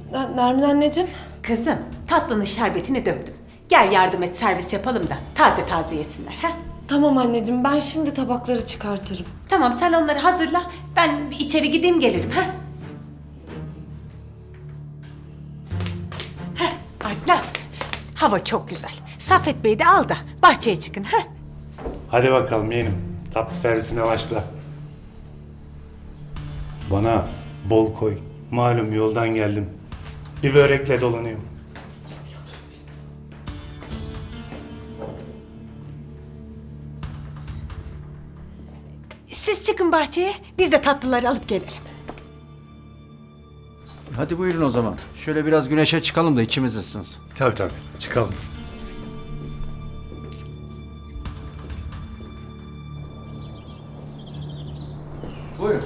Nermin anneciğim. Kızım, tatlının şerbetini döktüm. Gel yardım et, servis yapalım da taze taze yesinler. Ha? Tamam anneciğim, ben şimdi tabakları çıkartırım. Tamam, sen onları hazırla. Ben bir içeri gideyim gelirim. Ha? Adnan, hava çok güzel. Saffet Bey'i de al da bahçeye çıkın. Ha? Hadi bakalım yeğenim. Tatlı servisine başla. Bana bol koy. Malum yoldan geldim. Bir börekle dolanıyorum. Siz çıkın bahçeye, biz de tatlıları alıp gelelim. Hadi buyurun o zaman. Şöyle biraz güneşe çıkalım da içimiz ısınsın. Tabii tabii. Çıkalım. Buyurun.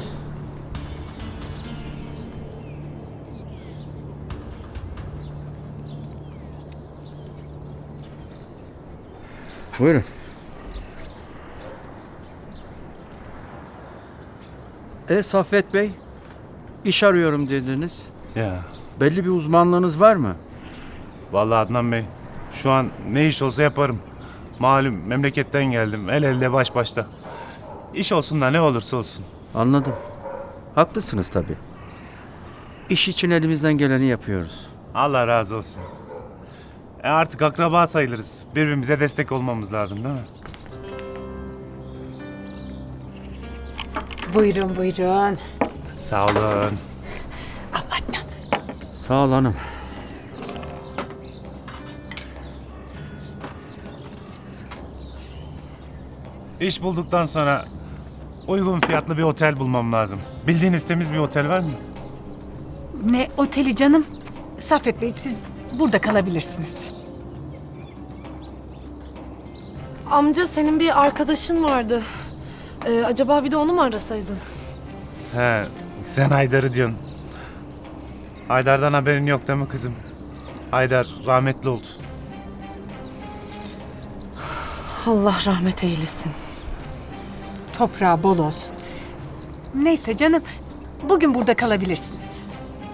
Buyurun. Saffet Bey, iş arıyorum dediniz. Ya. Belli bir uzmanlığınız var mı? Vallahi Adnan Bey. Şu an ne iş olsa yaparım. Malum memleketten geldim. El elde baş başta. İş olsun da ne olursa olsun. Anladım. Haklısınız tabii. İş için elimizden geleni yapıyoruz. Allah razı olsun. Artık akraba sayılırız. Birbirimize destek olmamız lazım değil mi? Buyurun, buyurun. Sağ olun. Al Adnan. Sağ ol hanım. İş bulduktan sonra uygun fiyatlı bir otel bulmam lazım. Bildiğiniz temiz bir otel var mı? Ne oteli canım? Saffet Bey, siz burada kalabilirsiniz. Amca, senin bir arkadaşın vardı. Acaba bir de onu mu arasaydın? He, sen Haydar'ı diyorsun. Haydar'dan haberin yok değil mi kızım? Haydar rahmetli oldu. Allah rahmet eylesin. Toprağı bol olsun. Neyse canım, bugün burada kalabilirsiniz.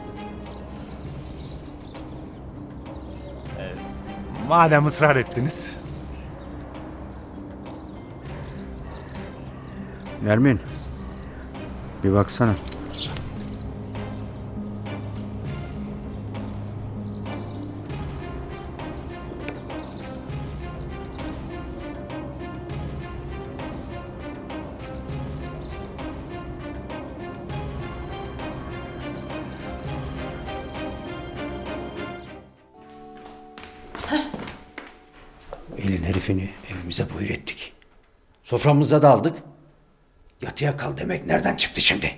Madem ısrar ettiniz. Nermin, bir baksana. Elin herifini evimize buyur ettik. Soframıza da aldık. Yatıya kal demek nereden çıktı şimdi?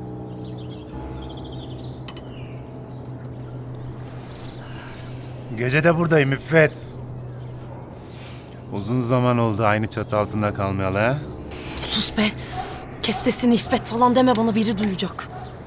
Gece de buradayım İffet. Uzun zaman oldu aynı çatı altında kalmayalı ha? Sus be. Kes sesini, İffet falan deme, bana biri duyacak.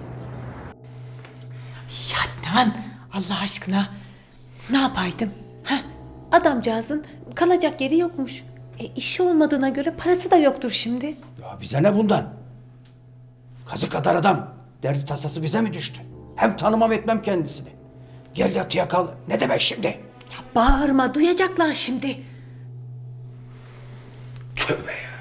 Ya Adnan, Allah aşkına ne yapaydım? Ha? Adamcağızın kalacak yeri yokmuş. İşi olmadığına göre parası da yoktur şimdi. Ya bize ne bundan? Kazı kadar adam. Derdi tasası bize mi düştü? Hem tanımam etmem kendisini. Gel yatıya kal. Ne demek şimdi? Ya bağırma, duyacaklar şimdi. Tövbe ya.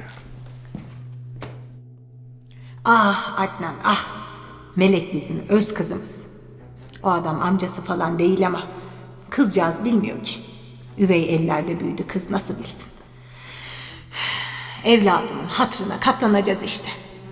Ah Adnan, ah. Melek bizim öz kızımız. O adam amcası falan değil ama kızcağız bilmiyor ki. Üvey ellerde büyüdü, kız nasıl bilsin. Evladımın hatırına katlanacağız işte.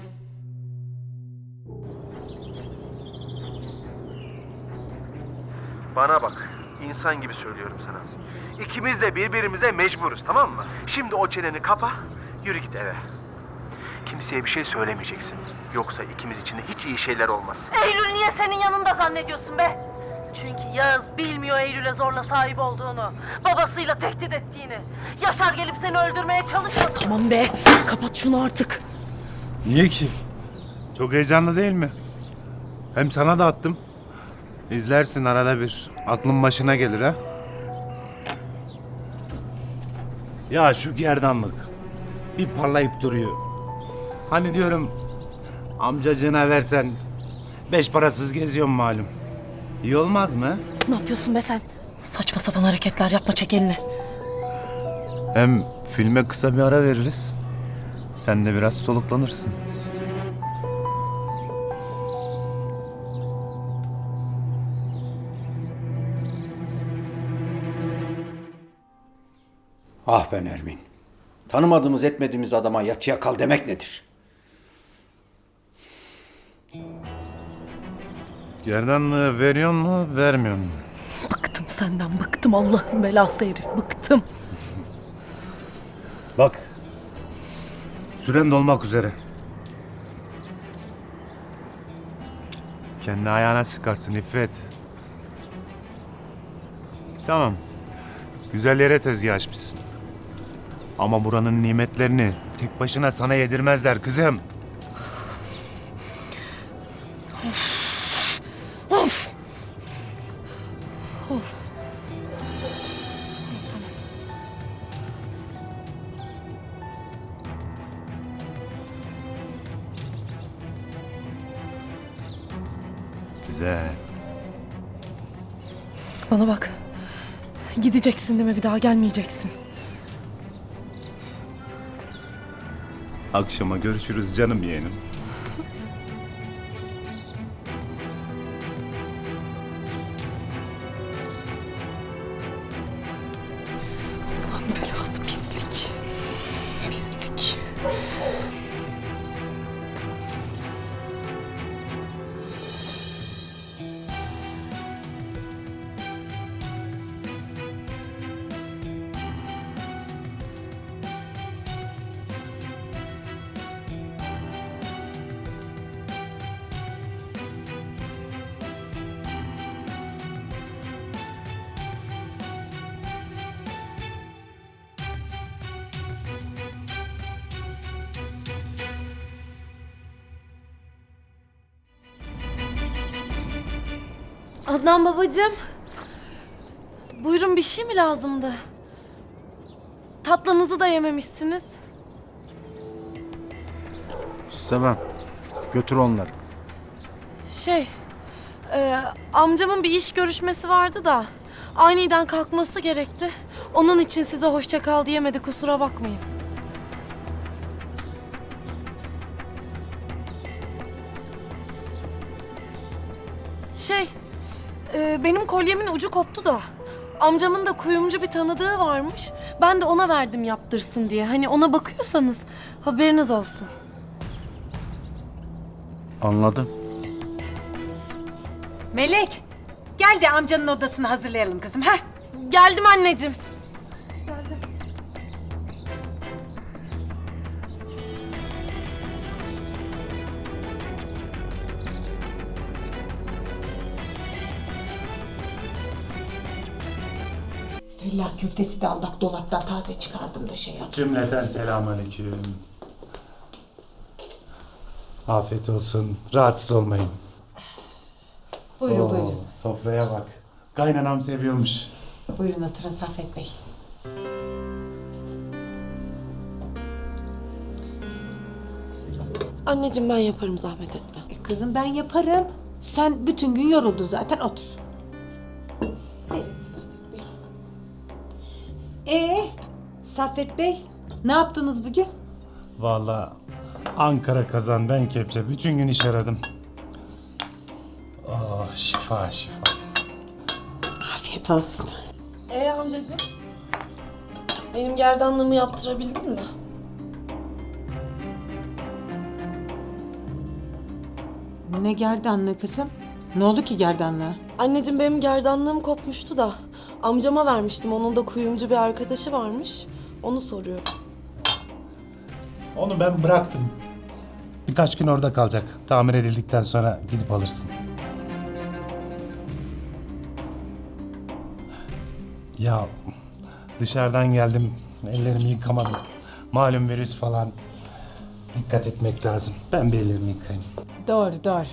Bana bak, insan gibi söylüyorum sana. İkimiz de birbirimize mecburuz, tamam mı? Şimdi o çeneni kapa, yürü git eve. Kimseye bir şey söylemeyeceksin. Yoksa ikimiz için de hiç iyi şeyler olmaz. Eylül niye senin yanında zannediyorsun be? Çünkü Yağız bilmiyor Eylül'e zorla sahip olduğunu. Babasıyla tehdit ettiğini. Yaşar gelip seni öldürmeye çalışmadı. Tamam be, kapat şunu artık. Niye ki? Çok heyecanlı değil mi? Hem sana da attım. İzlersin arada bir. Aklın başına gelir ha. Ya şu gerdanlık. Bir parlayıp duruyor. Hani diyorum amcacığına versen 5 parasız geziyorum malum. İyi olmaz mı? Ne yapıyorsun be sen? Saçma sapan hareketler yapma, çek elini. Hem filme kısa bir ara veririz. Sen de biraz soluklanırsın. Ah be Nermin. Tanımadığımız etmediğimiz adama yatıya kal demek nedir? Gerdanlığı veriyor mu, vermiyor mu? Bıktım senden, bıktım Allah'ın belası herif, bıktım. Bak. Süren dolmak üzere. Kendi ayağına sıkarsın İffet. Tamam. Güzel yere tezgah açmışsın. Ama buranın nimetlerini tek başına sana yedirmezler kızım. Güzel. Bana bak. Gideceksin değil mi? Bir daha gelmeyeceksin. Akşama görüşürüz canım yeğenim. Ulan belası pislik. Pislik. Adnan babacığım. Buyurun, bir şey mi lazımdı? Tatlınızı da yememişsiniz. İstemem. Götür onları. Amcamın bir iş görüşmesi vardı da aniden kalkması gerekti. Onun için size hoşça kal diyemedi, kusura bakmayın. Benim kolyemin ucu koptu da amcamın da kuyumcu bir tanıdığı varmış. Ben de ona verdim yaptırsın diye. Hani ona bakıyorsanız haberiniz olsun. Anladım. Melek, gel de amcanın odasını hazırlayalım kızım, ha? Geldim anneciğim. Fellah köftesi de Allah dolaptan taze çıkardım da şey yap. Cümleten selamünaleyküm. Afiyet olsun. Rahatsız olmayın. Buyurun buyurun. Sofraya bak. Kaynanam seviyormuş. Buyurun oturun Saffet Bey. Anneciğim ben yaparım, zahmet etme. Kızım ben yaparım. Sen bütün gün yoruldun zaten, otur. Evet, Saffet Bey. Saffet Bey, ne yaptınız bugün? Vallahi Ankara kazan ben kepçe. Bütün gün iş aradım. Oh şifa şifa. Afiyet olsun. Amcacığım, benim gerdanlığımı yaptırabildin mi? Ne gerdanlığı kızım? Ne oldu ki gerdanlığa? Anneciğim benim gerdanlığım kopmuştu da amcama vermiştim. Onun da kuyumcu bir arkadaşı varmış. Onu soruyorum. Onu ben bıraktım. Birkaç gün orada kalacak. Tamir edildikten sonra gidip alırsın. Ya dışarıdan geldim. Ellerimi yıkamadım. Malum virüs falan. Dikkat etmek lazım. Ben bir ellerimi yıkayayım. Doğru, doğru.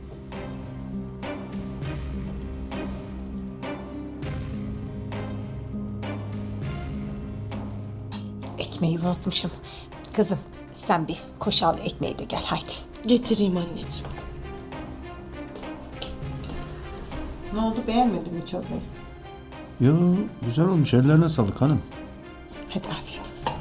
Ekmeği unutmuşum. Kızım sen bir koş al ekmeği de gel haydi. Getireyim anneciğim. Ne oldu, beğenmedin mi çorbayı? Yo, güzel olmuş. Ellerine sağlık hanım. Hadi afiyet olsun.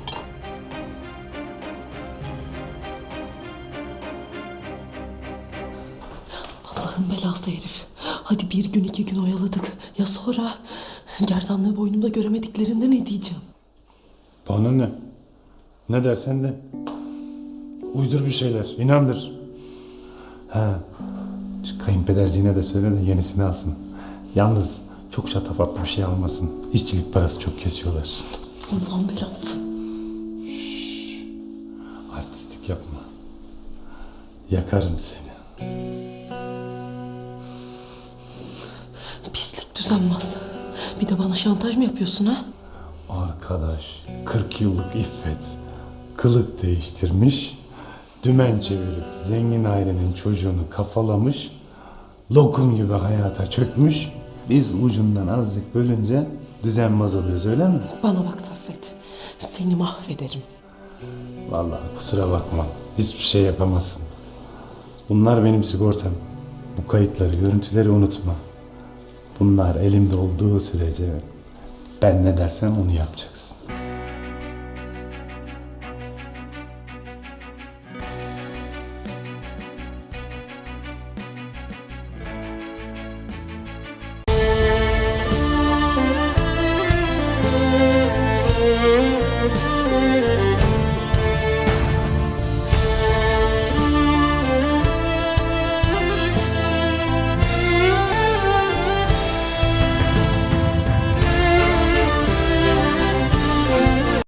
Allah'ın belası herif. Hadi bir gün 2 gün oyaladık. Ya sonra? Gerdanlığı boynumda göremediklerinde ne diyeceğim? Bana ne? Ne dersen de. Uydur bir şeyler, inandır. Ha, şu kayınpederciğine de söyle de yenisini alsın. Yalnız çok şatafatlı bir şey almasın. İşçilik parası çok kesiyorlar. Allah'ın belası. Artistlik yapma. Yakarım seni. Pislik düzenmez. Bir de bana şantaj mı yapıyorsun ha? Arkadaş, 40 yıllık iffet, kılık değiştirmiş, dümen çevirip zengin ailenin çocuğunu kafalamış, lokum gibi hayata çökmüş, biz ucundan azıcık bölünce düzenmez oluyoruz, öyle mi? Bana bak Saffet. Seni mahvederim. Vallahi kusura bakma, hiçbir şey yapamazsın. Bunlar benim sigortam. Bu kayıtları, görüntüleri unutma. Bunlar elimde olduğu sürece ben ne dersem onu yapacaksın.